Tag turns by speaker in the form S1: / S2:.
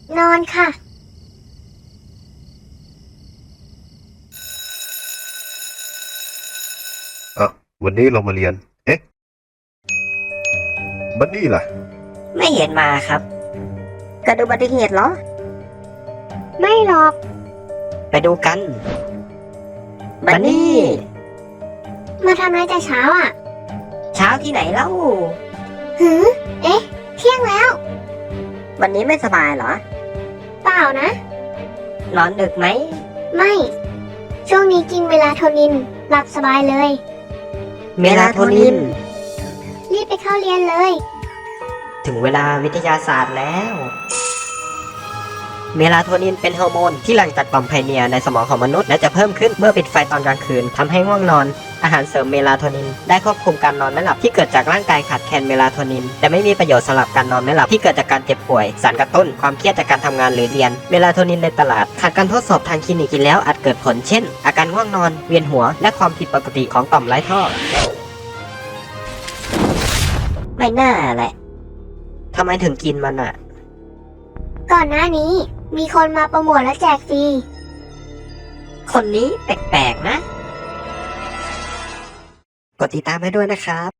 S1: นอนค่ะ
S2: วันนี้เรามาเรียน บันนี่ล่ะ
S3: ไม่เห็นมาครับเกิดอุบัติเหตุเหรอ
S1: ไม่หรอก
S3: ไปดูกันบันนี่
S1: มาทำอะไรแต่เช้าอ่ะ
S3: เช้าที่ไหนเล่า
S1: หือ เอ๊ะ เที่ยงแล้ว
S3: วันนี้ไม่สบายเหรอ
S1: เปล่านะ
S3: นอนดึกไหม
S1: ไม่ ช่วงนี้กินเมลาโทนิน หลับสบายเลย
S3: เมลาโทนิน
S1: รีบไปเข้าเรียนเลย
S3: ถึงเวลาวิทยาศาสตร์แล้ว เมลาโทนินเป็นฮอร์โมนที่หลั่งจากต่อมไพเนียร์ในสมองของมนุษย์และจะเพิ่มขึ้นเมื่อปิดไฟตอนกลางคืนทำให้ง่วงนอน อาหารเสริมเมลาโทนินได้ควบคุมการนอนไม่หลับที่เกิดจากร่างกายขาดแคลนเมลาโทนินแต่ไม่มีประโยชน์สำหรับการนอนไม่หลับที่เกิดจากการเจ็บป่วยสารกระตุ้นความเครียดจากการทำงานหรือเรียนเมลาโทนินในตลาดขาดการทดสอบทางคลินิกกินแล้วอาจเกิดผลเช่น อาการง่วงนอนเวียนหัวและความผิดปกติของต่อมไร้ท่อไม่น่าแหละทำไมถึงกินมันอ่ะ
S1: ก่อนหน้านี้มีคนมาโปรโมทและแจกฟรี
S3: คนนี้แปลกๆนะ กดติดตามให้ด้วยนะครับ